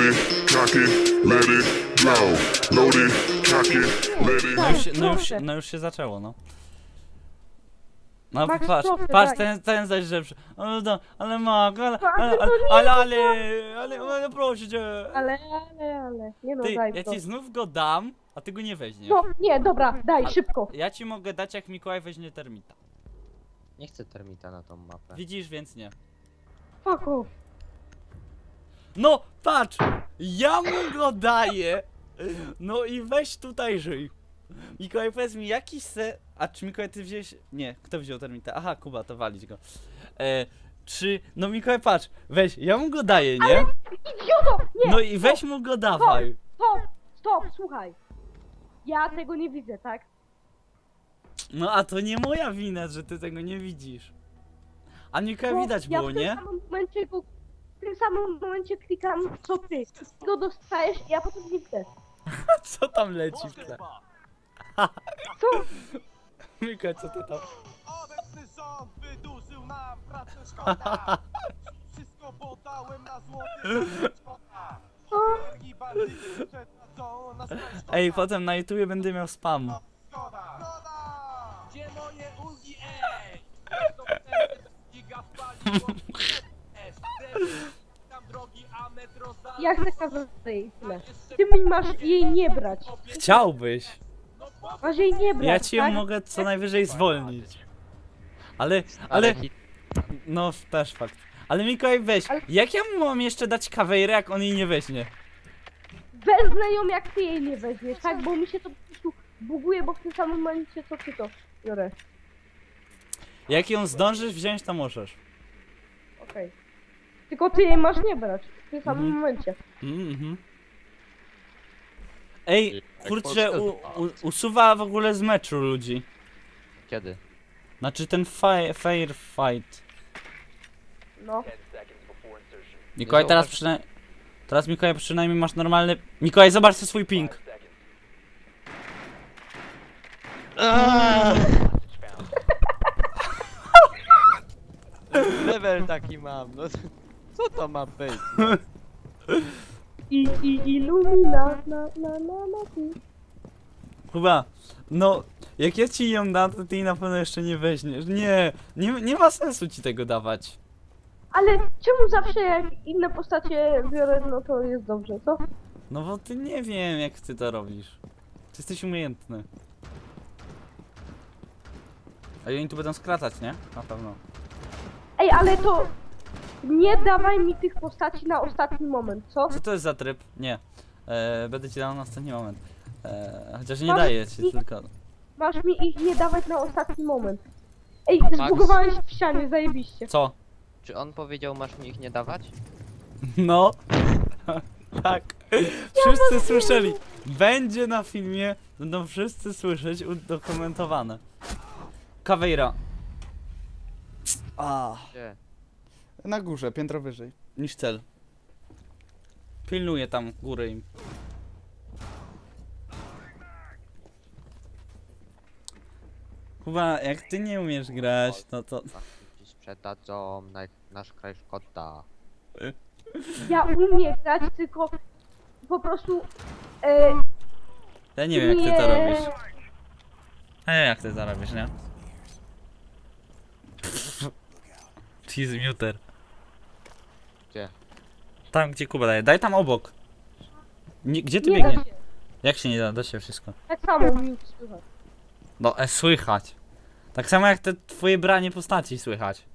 it, cock it, let it blow. Load it, cock it, let it. No już się zaczęło, no. No Max, patrz, proszę, patrz, daj. ten zaś lepszy. Ale Mag, ale proszę cię. Ale, nie no, Ty, daj ja to. ci znów go dam, a ty go nie weźmiesz. No, nie, dobra, daj, szybko. Ja ci mogę dać, jak Mikołaj weźmie termita. Nie chcę termita na tą mapę. Widzisz, więc nie. Fuck off. No, patrz! Ja mu go daję! No i weź tutaj żyj. Mikołaj, powiedz mi, jaki se... A czy Mikołaj, ty wziąłeś... Nie, kto wziął termita? Aha, Kuba, to walić go. Czy... No Mikołaj, patrz, weź, ja mu go daję, nie? Idioto! Nie! No i weź mu go dawaj. Stop, słuchaj. Ja tego nie widzę, tak? No a to nie moja wina, że ty tego nie widzisz. A Mikołaj Bo widać ja było, w tym nie? samym momencie w tym samym momencie klikam co ty. Ty go dostajesz i ja potem nie widzę. Co tam leci w tle? Co? Mikołaj, co ty tam? Obecny rząd wydłużył nam pracę szkoda. Wszystko podałem na złoty szkoda. Energii bandyty przetracą na swoją szkoda. Ej, potem na YouTubie będę miał spam. Szkoda. Gdzie moje ulgi, ej? Zresztą wtedy giga spaliło. Tam drogi, a metro za... Ja chcę kawę i tyle. Ty mi masz jej nie brać. Chciałbyś. Masz jej nie brać, Ja ci ją tak? mogę co najwyżej zwolnić. Ale... No, też fakt. Ale Mikołaj, weź, Ale- jak ja mu mam jeszcze dać kawejrę, jak on jej nie weźmie? Wezmę ją jak ty jej nie weźmiesz, tak? Bo mi się to po prostu buguje, bo w tym samym momencie co ty to biorę. Jak ją zdążysz wziąć, to możesz. Okej. Tylko ty jej masz nie brać w tym samym momencie. Ej, kurczę, usuwa w ogóle z meczu ludzi. Kiedy? Znaczy ten fair fight. No. Mikołaj, teraz przynajmniej... Teraz Mikołaj przynajmniej masz normalny... Mikołaj, zobacz sobie swój ping. Level taki mam, no co to ma być? I Illumina na ty. Chyba, no, jak ja ci ją dam, to ty jej na pewno jeszcze nie weźmiesz. Nie ma sensu ci tego dawać. Ale czemu zawsze jak inne postacie biorę, no to jest dobrze, co? No bo ty nie wiem, jak ty to robisz. Ty jesteś umiejętny. A oni tu będą skracać, nie? Na pewno. Ej, ale to nie dawaj mi tych postaci na ostatni moment, co? Co to jest za tryb? Nie. Będę ci dał na ostatni moment. Chociaż nie Masz daję ci, ich- tylko... Masz mi ich nie dawać na ostatni moment. Ej, Max? zbugowałeś w ścianie, zajebiście. Co? Czy on powiedział, masz mi ich nie dawać? No. Tak. Wszyscy słyszeli. Będzie na filmie, będą wszyscy słyszeć udokumentowane. Kawejra. Gdzie? Na górze, piętro wyżej niż cel. Pilnuję tam góry im. Chyba jak ty nie umiesz grać, no to... Ci sprzedadzą nasz kraj szkoda. Ja umiem grać, tylko po prostu... Ja nie wiem jak ty to robisz. Ja nie wiem jak ty to robisz, nie? Cheese muter. Gdzie? Tam gdzie Kuba daje. Daj tam obok. Nie, gdzie ty Nie da biegniesz? się. Jak się nie da? Da się wszystko. Tak samo mi słychać. No, słychać. Tak samo jak te twoje branie postaci słychać.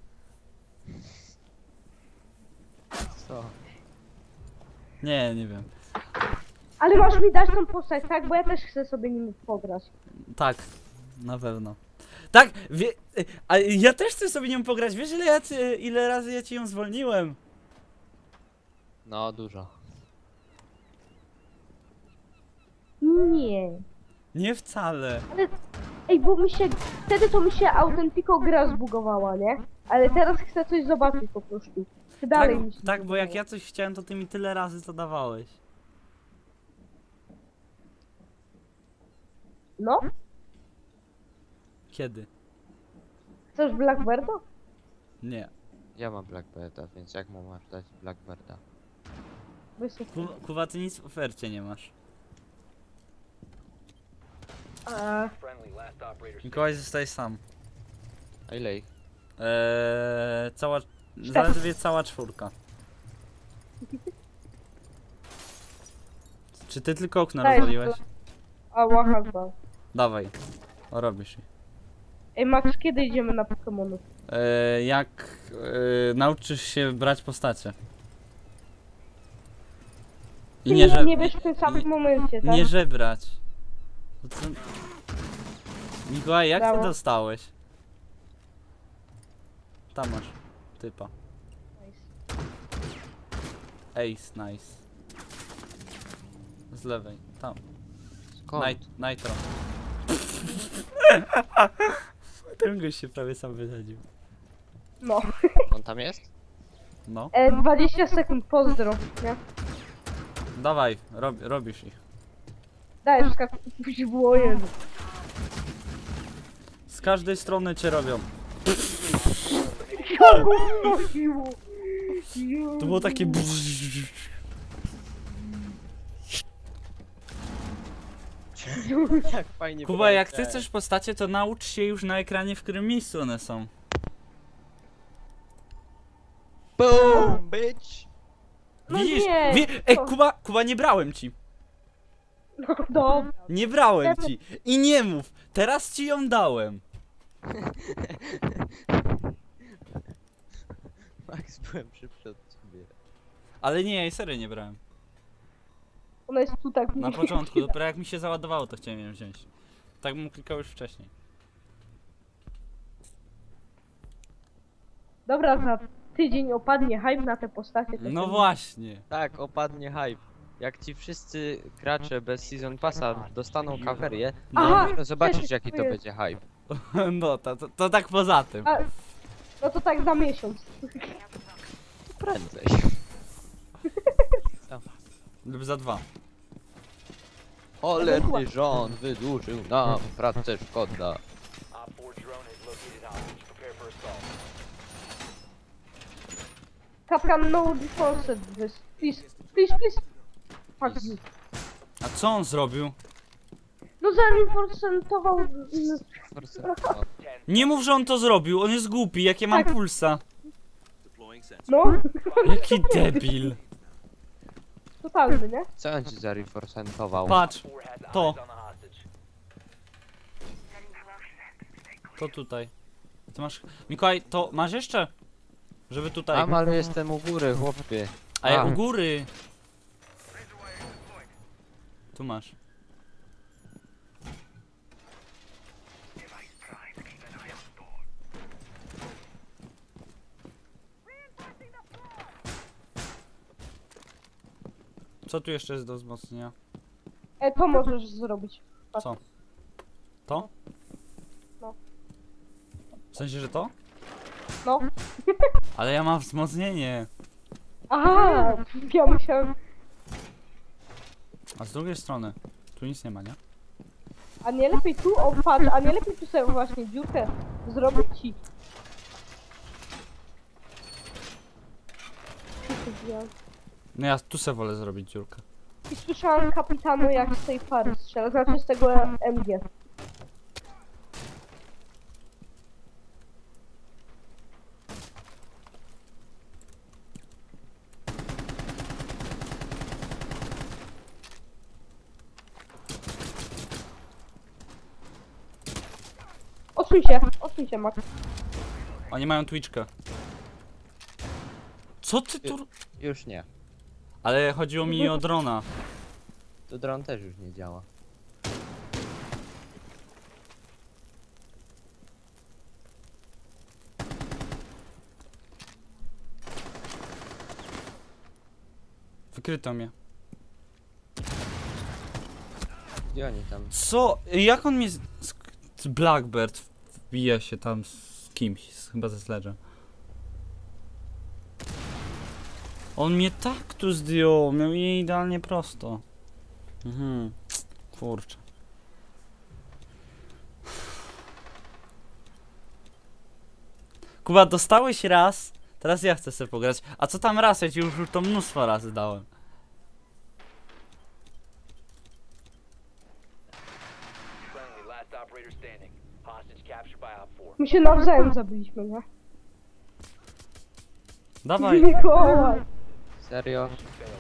Co? Nie wiem. Ale masz mi dać tą postać, tak? Bo ja też chcę sobie nim pograć. Tak, na pewno. Tak, a ja też chcę sobie nią pograć. Wiesz ile razy ja ci ją zwolniłem? No, dużo. Nie. Nie wcale. Ale... Ej, bo mi się... Wtedy to mi się Authentico gra zbugowała, nie? Ale teraz chcę coś zobaczyć po prostu. Czy dalej mi się Tak, bo jak zbugowało? ja coś chciałem, to ty mi tyle razy to dawałeś. No? Kiedy? Chcesz Blackbirda? Nie. Ja mam Blackbirda, więc jak mu masz dać Blackbirda? Wysoko. Kuba, ty nic w ofercie nie masz. Mikołaj, zostajesz sam. A ile ich? Cała... Zaledwie cała czwórka. Czy ty tylko okno Daj, rozwaliłeś? Ała, chyba. Dawaj. O, robisz je. Ej, Max, kiedy idziemy na Pokemonów? Jak nauczysz się brać postacie. I Nie, że... nie wiesz w tym samym momencie, tak? Nie żebrać. To co... Mikołaj, jak ty Brawo. dostałeś? Tam masz typa. Ace, nice. Z lewej, tam. Skąd? Nitro. Ten gość się prawie sam wysadził. No. On tam jest? No. 20 sekund, pozdro, nie? Dawaj, robisz ich. Daj, skakuj w łojen. Z każdej strony cię robią. To było takie... Jak fajnie. Kuba, jak ty chcesz postacie, to naucz się już na ekranie, w którym miejscu one są. Boom, bitch! No Widzisz? nie, Ej, to- Kuba, nie brałem ci. No dobra. Nie brałem ci. I nie mów. Teraz ci ją dałem. Max, byłem szybszy od ciebie. Ale nie, ja serio nie brałem. Ona jest tu tak... Na początku, dopiero jak mi się załadowało, to chciałem ją wziąć. Tak bym klikał już wcześniej. Dobra, za tydzień opadnie hype na te postacie. to No ten- właśnie. Tak, opadnie hype. Jak ci wszyscy gracze bez Season Passa dostaną kawerię, No, Aha! dopiero zobaczysz też jaki to jest. będzie hype. no to tak poza tym. A, no to tak za miesiąc. Prędzej. Lub za 2. Cholerny rząd wydłużył nam pracę szkoda. Kapkan no defense. Please, please, please. Fuck you. A co on zrobił? No zainforcentował... Nie mów, że on to zrobił. On jest głupi, jak ja mam Tak. pulsa. No, Jaki debil. totalny, nie? Co on ci zareforcentował? Patrz. To. To tutaj. Ty masz... Mikołaj, to masz jeszcze? Żeby tutaj... Amal, jestem u góry, chłopie. A ja A. u góry. Tu masz. Co tu jeszcze jest do wzmocnienia? To możesz zrobić. Co? To? No. W sensie, że to? No. Ale ja mam wzmocnienie. Aha, ja musiałem... A z drugiej strony, tu nic nie ma, nie? A nie lepiej tu, o patrz, a nie lepiej tu sobie właśnie dziurkę zrobić ci. No ja tu se wolę zrobić dziurkę. I słyszałem kapitanu jak z tej fary strzela, znaczy z tego MG. Odsuń się, Max. Oni mają Twitchkę. Co ty tu... Już nie. Ale chodziło mi o drona. To dron też już nie działa. Wykryto mnie. Gdzie oni tam? Co? Jak on mnie... Blackbird wbija się tam z kimś, chyba ze Sledge'em. On mnie tak tu zdjął, miał je idealnie prosto. Mhm. Kurczę. Kuba, dostałeś raz, teraz ja chcę sobie pograć. A co tam raz? Ja ci już to mnóstwo razy dałem. My się nawzajem zabiliśmy, nie? Dawaj. Mikołaj. Serio?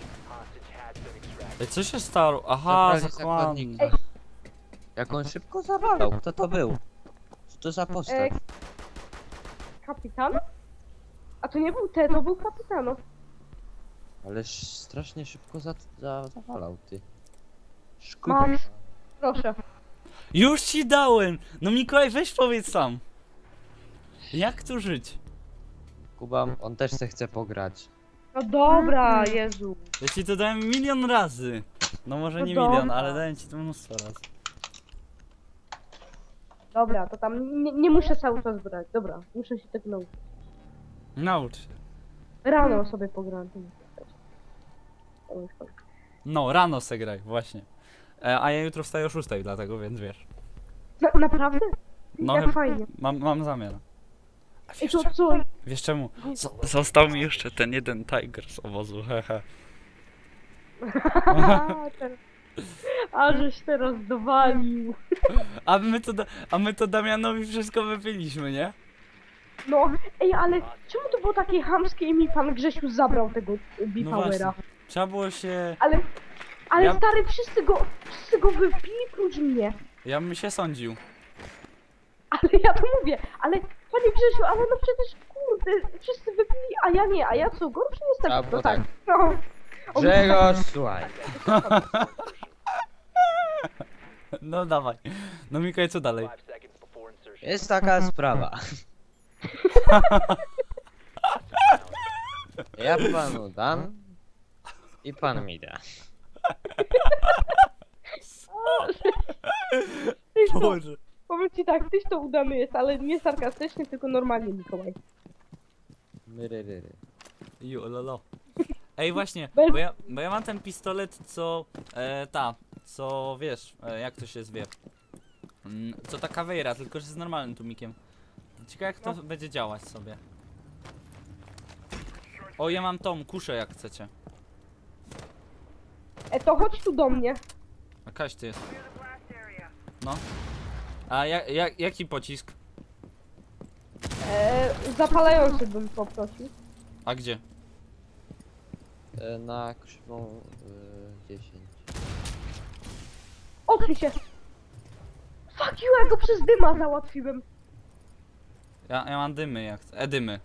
Ej, co się stało? Aha, Zabrali zakładnik. zakładnika. Jak on szybko zawalał, kto to był? Co to za postać? Kapitan? A to nie był T, to był kapitano. Ależ strasznie szybko zawalał, ty. Max, proszę. Już ci dałem! No Mikołaj, weź powiedz sam. Jak tu żyć? Kuba, on też se chce pograć. No dobra, Jezu. Ja ci to dałem milion razy. No może No nie dobra. milion, ale dałem ci to mnóstwo razy. Dobra, to tam nie muszę cały czas brać. Dobra, muszę się tego nauczyć. Naucz się. Rano sobie pogram. To muszę grać. To już tak. No, rano se graj, właśnie. A ja jutro wstaję o 6, dlatego, więc wiesz. Naprawdę? No, Jak fajnie. mam zamiar. A I to co? Wiesz czemu? Został mi jeszcze ten jeden tiger z obozu, hehe. A żeś teraz dowalił. A my to Damianowi wszystko wypiliśmy, nie? No, ej, ale czemu to było takie chamskie i mi pan Grzesiu zabrał tego No B-Powera? właśnie. Trzeba było się... Ale Ja- stary, wszyscy go wypili prócz mnie. Ja bym się sądził. Ale ja to mówię, ale panie Grzesiu, ale no przecież kurde, wszyscy wypili, a ja nie, a ja co, gorszy jestem? A, No bo tak. tak. No. On Grzegorz, słuchaj. No dawaj. No Mikołaj, co dalej? Jest taka sprawa. Ja panu dam i pan mi da. Tyś to, Boże. powiem ci tak, tyś to udany jest, ale nie sarkastycznie, tylko normalnie, Mikołaj. Myryryry. Lolo. Ej, właśnie, Bez- bo ja mam ten pistolet, co... co wiesz, jak to się zwie. Co ta Caveira, tylko że z normalnym tłumikiem. Ciekawe jak to będzie działać sobie. O, ja mam tą kuszę, jak chcecie. To chodź tu do mnie. A Kaś ty jest. No. A jaki pocisk? Zapalający bym poprosił. A gdzie? Na krzywą 10. Odkryj się. Fuck you, ja go przez dyma załatwiłem. Ja mam dymy, jak chcę. Dymy.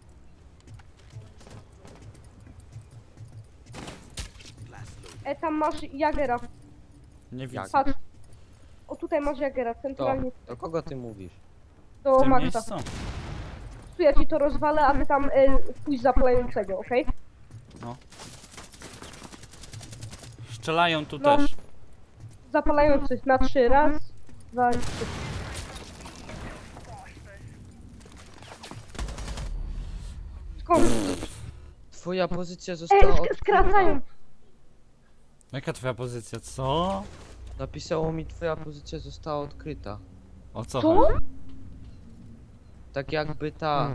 Tam masz Jagera. Nie widzę. Jak? Patrz. O, tutaj masz Jagera, To, centralnie do kogo ty mówisz? do W tym Maxa. miejscu? Tu ja ci to rozwalę, a ty tam pójdź zapalającego, okej? Strzelają tu No. też. Zapalający na 3. Raz, 2, 3. Skąd? Twoja pozycja została Skracają. Jaka twoja pozycja? Co? Napisało mi, twoja pozycja została odkryta. O co Co? chodzi? Tak jakby ta...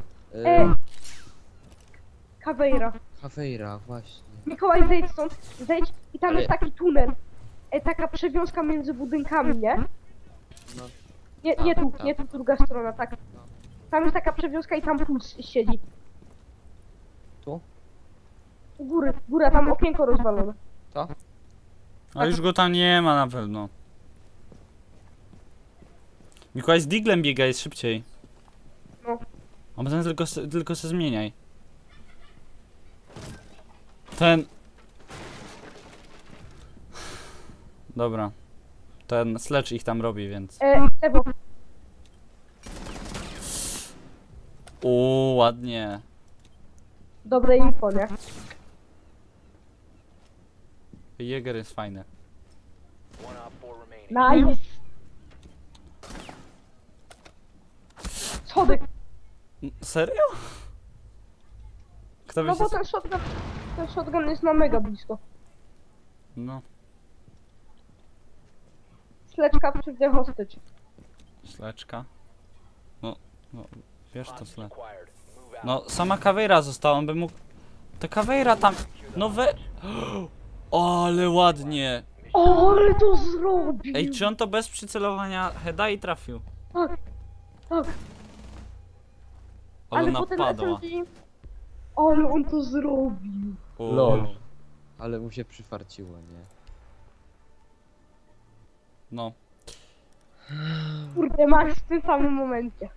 Caveira. Caveira, właśnie. Mikołaj, zejdź stąd. Zejdź i tam Ale- jest taki tunel. Taka przewiązka między budynkami, nie? No. Nie tu, Tak. nie tu, druga strona, tak. Tam jest taka przewiązka i tam puls siedzi. Tu? U góry, góra, tam okienko rozwalone. To? A już go tam nie ma na pewno. Mikołaj z diglem biega, jest szybciej. No. A potem tylko se zmieniaj. Ten... Dobra. Ten Sledge ich tam robi, więc... Ewo, Ładnie. dobre info, nie? Jäger jest fajny. Nice. Schody. Serio? Kto by No się... bo ten shotgun jest na mega blisko. No, Sleczka przywdzie hostage. Sleczka. No, wiesz to Sledge. No, sama Caveira została, on by mógł... Ta Caveira tam... No we... O, ale ładnie! O, ale to zrobił! Ej, czy on to bez przycelowania heada i trafił? Tak, tak. Ale ona potem padła. SMG... Ale on to zrobił. Lol. Ale mu się przyfarciło, nie? No. Kurde, Max w tym samym momencie.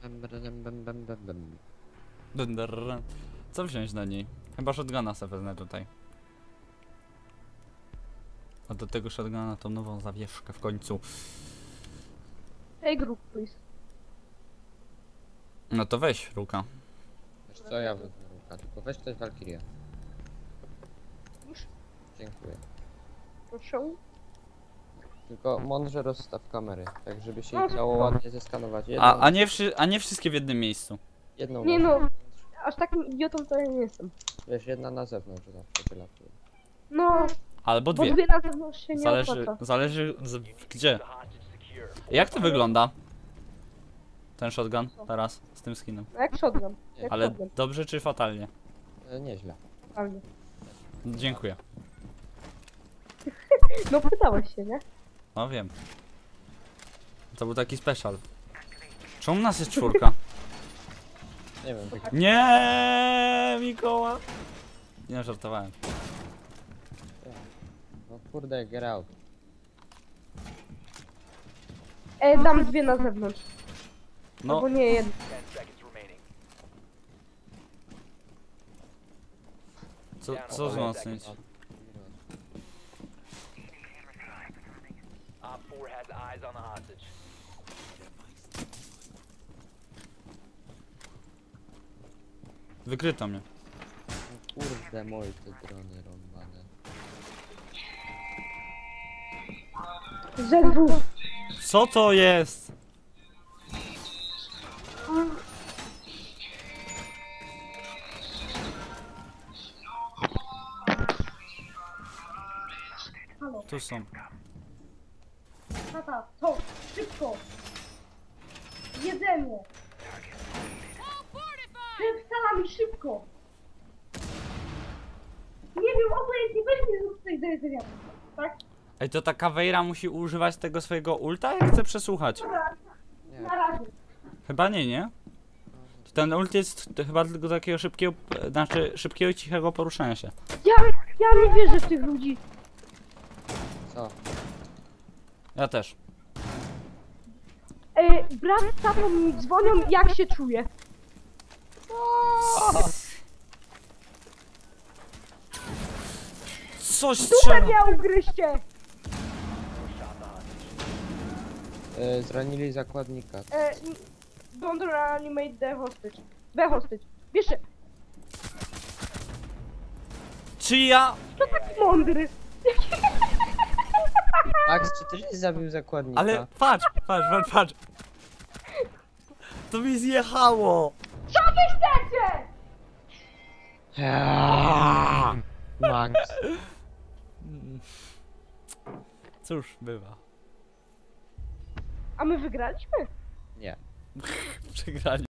Co wziąć na niej? Chyba shotguna sobie wezmę tutaj. A do tego shotguna tą nową zawieszkę w końcu. Hey group, please. No to weź, Ruka. Wiesz co, ja wezmę Ruka, tylko weź też Valkyria. Już? Dziękuję. Proszę. Tylko mądrze rozstaw kamery, tak żeby się No, ich dało spoko. ładnie zeskanować. Jedną, A nie wszystkie w jednym miejscu. jedną Nie na, no, aż takim idiotą to ja nie jestem. wiesz, jedna na zewnątrz zawsze wylatuje. No, Albo bo dwie. dwie na zewnątrz się nie Zależy, opłaca. gdzie. Jak to wygląda? Ten shotgun teraz z tym skinem. No jak shotgun. Jak Ale shotgun, dobrze czy fatalnie? Nieźle. totalnie. Dziękuję. No pytałeś się, nie? No wiem. To był taki special. Czemu nas jest 4? Nie wiem, tak Nie, Mikoła. Nie, żartowałem. no kurde, get out. Dam dwie na zewnątrz. No, Albo nie jedno. co wzmocnić? Wykryto mnie. No kurde, moje te drony rąbane. ZW. Co to jest? Halo, Tu są. tata, co? Szybko! Jedzenie! Wstalamy szybko! Nie wiem, obojętnie, weź mi zrób coś do jedzenia. Tak? Ej, to ta Caveira musi używać tego swojego ulta, jak chce przesłuchać? Dobra, Nie, na razie. Chyba nie, nie? Ten ult jest chyba tylko takiego szybkiego, znaczy szybkiego i cichego poruszania się. Ja nie wierzę w tych ludzi. co? Ja też. Brat z tatą mi dzwonią, jak się czuję. Coś Dupę strzela! mnie ugryźcie! Zranili zakładnika. Don't reanimate the hostage. The hostage. Wiesz, Czy ja... to taki mądry. Max, czy ty żeś zabił zakładnika? Ale patrz. To mi zjechało! Co wy chcecie? Max. Cóż, bywa. A my wygraliśmy? Nie. Przegrali.